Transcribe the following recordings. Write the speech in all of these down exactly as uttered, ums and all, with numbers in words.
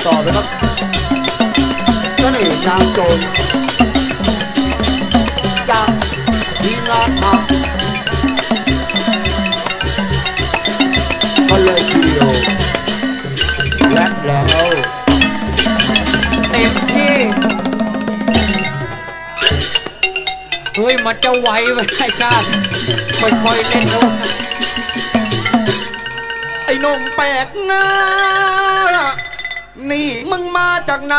ต่อไปครับเสน่ห์นางโจรจากทีมงานผักก็เลยทีเดียวและแล้วเต็มที่เฮ้ยมันจะไหวไหมไอ้ชาติค่อยๆเล่นด้วยไอ้หนุ่มแปลกหน้านี่มึงมาจากไหน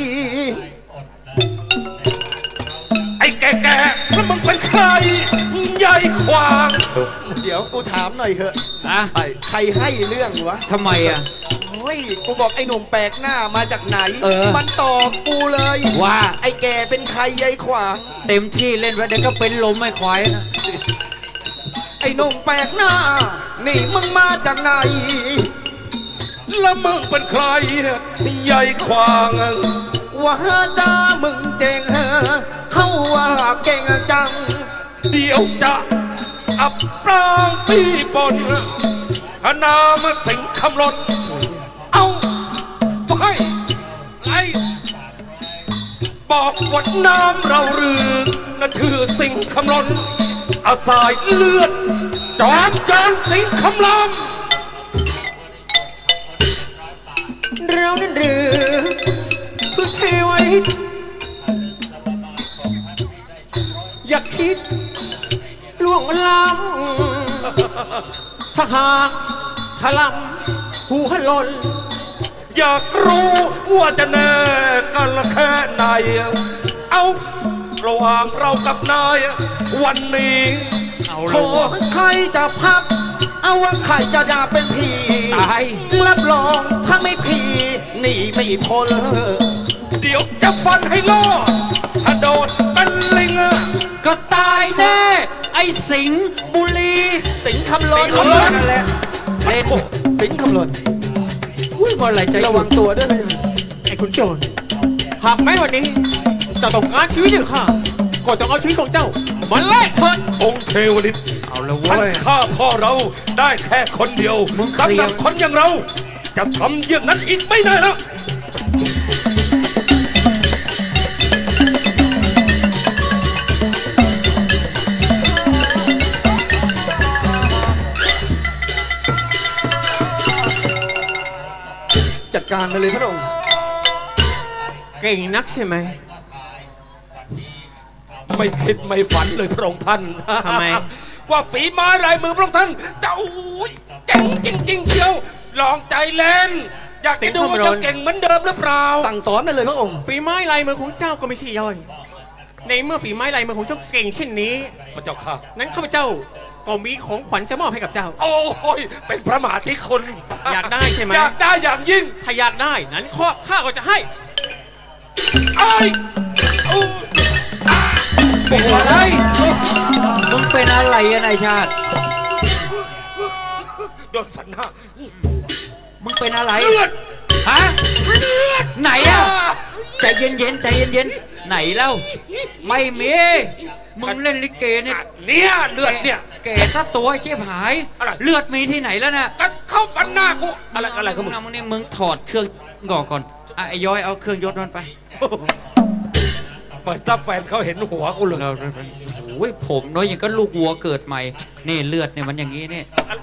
ไอ้แก่ๆแล้วมึงเป็นใครใหญ่ขวางเดี๋ยวกูถามหน่อยเถอะอะใครให้เรื่องวะทำไมอ่ะโอ้ยกูบอกไอ้หนุ่มแปลกหน้ามาจากไหนเออมันตอบกูเลยว่าไอ้แกเป็นใครยายขวางเต็มที่เล่นไว้เดี๋ยวก็เป็นลมไม่ควายนะไอ้หนุ่มแปลกหน้า นี่มึงมาจากไหนแล้วมึงเป็นใครใหญ่ขวางว่าจ้ามึงเจงเหอะเขาว่าเก่งจังเดี๋ยวจะอับปรางพี่บนนามสิงคำลนเอาไปไอ้บอกว่าน้ำเราเรือนั่นคือสิงคำลนอาสายเลือดจอมจานสิงคำลำเรานั้นหรือคือเทวทิตอย่าคิดล่วงล้ำถ้าหากถลำหัวหล่นอยากรู้ว่าจะแน่กันละแค่ไหน เอาระหว่างเรากับนายวันนี้เอาโขละวะใครจะพับ เอาว่าใครจะด่าเป็นผีตายรับรองถ้าไม่ผีหนีไม่พ้นเดี๋ยวจะฟันให้รอดถ้าโดนเป็นลิงก็ตายแน่ไอ้สิงห์บุรีสิงคำลนเออนั่นแหละเล่นสิงคำลนอุ้ยบอลไหลใจระวังตัวด้วยนะไอ้ขุนโจรหากแม้วันนี้จะต้องการชีวิตของข้าก็ต้องเอาชีวิตของเจ้ามาแลกเถิดองค์เทวฤทธิ์เอาละท่านเว้ยฆ่าพ่อเราได้แค่คนเดียวมึงเคลียร์สำหรับคนอย่างเรา จะทำอย่างนั้นอีกไม่ได้แล้วจัดการมาเลยพระองค์เก่งนักใช่ไหมไม่คิดไม่ฝันเลยพระองค์ท่านทำไมว่าฝีไม้ลายมือพระองค์ท่านจะโอ้ยเก่งจริง ๆ เชียว ลองใจเล่น อยากจะดูว่าจะเก่งเหมือนเดิมหรือเปล่าสั่งสอนมาเลยพระองค์ฝีไม้ลายมือของเจ้าก็ไม่ใช่ย่อย ในเมื่อฝีไม้ลายมือของเจ้าเก่งเช่นนี้พระเจ้าค่ะนั้นข้าพเจ้าก็มีของขวัญจะมอบให้กับเจ้าโอ้ยเป็นพระมหาธิคุณอยากได้ใช่ไหมอยากได้อย่างยิ่งถ้าอยากได้นั้นข้อข้าก็จะให้ไอ้ยโอ้ยเป็นอะไรมึงเป็นอะไรอะนายชาติโดนสันหน้ามึงเป็นอะไรเลือดฮะเลือดไหนอะใจเย็นๆใจเย็นๆไหนเล่าไม่มีมึงเล่นลิเกเนี่ยเนี่ยเลือดเนี่ยแกซะตัวไอ้เจี๊ยบหายอะไรเลือดมีที่ไหนแล้วน่ะก็เข้าฟันหน้ากูอะไรอะไรของมึงมึงนี่มึงถอดเครื่องก่อก่อนอ่ะไอ้ย้อยเอาเครื่องยศมันไปเปิดตาแฟนเขาเห็นหัวกูเลยเราโอ้ยผมน้อยอย่างก็ลูกวัวเกิดใหม่นี่เลือดเนี่ยมันอย่างนี้เนี่ย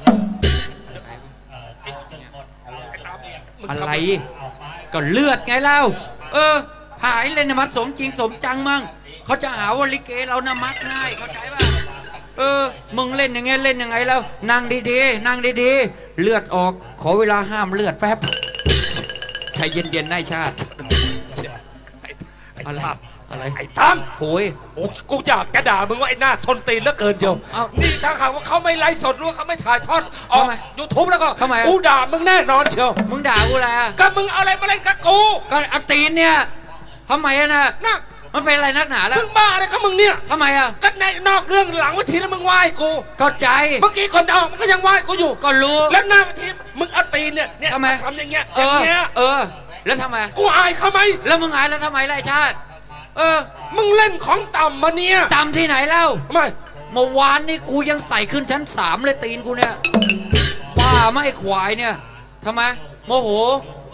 อะไรก็เลือดไงเล่าเออหายเลยนะมันสมจริงสมจังมั่งเขาจะหาว่าลิเกเรานะมักง่ายเข้าใจป่ะเออมึงเล่นอย่างเงี้ยเล่นยังไงแล้วนั่งดีๆนั่งดีๆเลือดออกขอเวลาห้ามเลือดแป๊บใจเย็นๆนายชาติไอ้อะไรตั้มอะไรไอ้ตั้มโอ้ยโอ้กูอยากกระด่ามึงว่าไอ้หน้าซนตีนเหลือเกินเจียวเอ้านี่ถ้าหากว่าเขาไม่ไลฟ์สดหรือว่าเขาไม่ถ่ายทอดออกทำไมยูทูบแล้วก็ทำไมกูด่ามึงแน่นอนเชียวมึงด่ากูอะไรอ่ะก็มึงเอาอะไรมาเล่นกับกูก็เอาตีนเนี่ยทำไมอะนะนะมันเป็นอะไรนักหนาแล้วมึงบ้าอะไรกับมึงเนี่ยทำไมอ่ะก็ในนอกเรื่องหลังเวทีแล้วมึงไหว้กูเข้าใจเมื่อกี้คนออกมันก็ยังไหว้กูอยู่ก็รู้แล้วหน้าเวทีมึงเอาตีนเนี่ยเนี่ยทำไมทำอย่างเงี้ยเออย่างอเงี้ยเออ แล้วทำไมกูอายเขาไหมแล้วมึงหายแล้วทำไมล่ะไอ้ชาติ เออมึงเล่นของต่ำมาเนี่ยตามที่ไหนเล่าทำไมเมื่อวานนี่กูยังใส่ขึ้นชั้นสามเลยตีนกูเนี่ยบ้าไม่ควายเนี่ยทำไมโมโห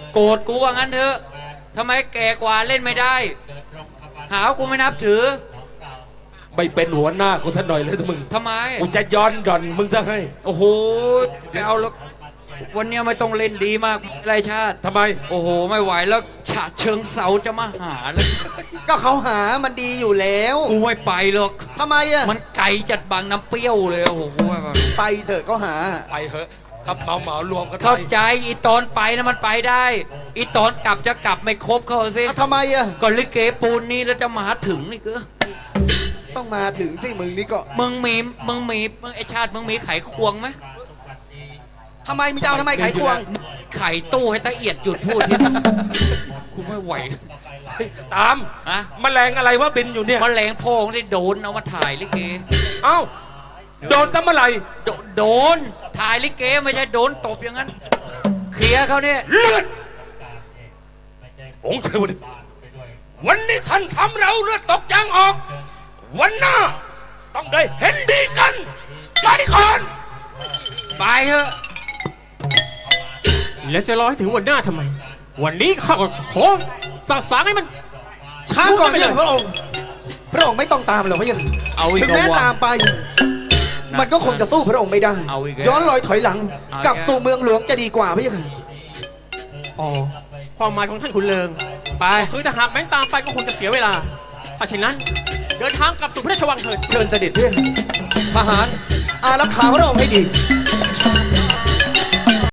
โกรธกูว่างั้นเถอะทำไมแก่กว่าเล่นไม่ได้ หาว่ากูไม่นับถือไม่เป็นหัวหน้ากูสักหน่อยเลยทุกมึงทำไมกูจะย้อนหย่อนมึงซะให้โอ้โหไม่เอาแล้ววันเนี้ยไม่ต้องเล่นดีมากไรชาติทำไมโอ้โห ไม่ไหวแล้วฉะเชิงเสาจะมาหาแล้วก็เขาหามันดีอยู่แล้วกูไม่ไปหรอกทำไมอะมันไกลจัดบางน้ำเปรี้ยวเลยโอ้โหกูไม่ไปไปเถอะก็หาไปเหอะกับเหมาเหมารวมกันไปเข้าใจอีตอนไปนะมันไปได้ อีตอนกลับจะกลับไม่ครบเขาสิอ่ะทำไมอะก็ลิเกปูนนี้แล้วจะมาถึงนี่ก็ต้องมาถึงที่มึงนี่ก็มึงมีมึงมีมึงไอชาติมึงมีไขควงไหมทำไมมึงจะเอาทำไมไขควงไขตู้ให้ตะเอียดหยุดพูดทีกูไม่ไหวเฮ้ยตามอะแมลงอะไรวะบินอยู่เนี่ยแมลงโพงที่โดนเอามาถ่ายลิเกเอ้าโดนตั้งเมื่อไหร่โดโดนถ่ายลิเกไม่ใช่โดนตบอย่างนั้น เคลียร์เขาเนี่ยเลือดองค์เทวดาวันนี้ท่านทำเราเลือดตกยางออก วันหน้า ต้องได้เห็นดีกันไปก่อนไปเถอะแล้วจะรอให้ถึงวันหน้าทำไม วันนี้ข้าก็ขอสั่งสางให้มันช้าก่อนพระเจ้าพระองค์ พระองค์ไม่ต้องตามหรอกพระเจ้าเอาอีกถึงแม้แล้ววะตามไป มันก็คงจะสู้พระองค์ไม่ได้เอาอีกแล้วย้อนรอยถอยหลังเอาอีกกลับแล้วสู่เมืองหลวงจะดีกว่าพระเจ้าค่ะอ๋อ ความหมายของท่านขุนเลิงไปคือถ้าหากแม้นตามไปก็คงจะเสียเวลา ถ้าเช่นนั้น เดินทางกลับสู่พระราชวังเถิดเชิญเสด็จเพื่อนทหาร อารักขาพระองค์ให้ดี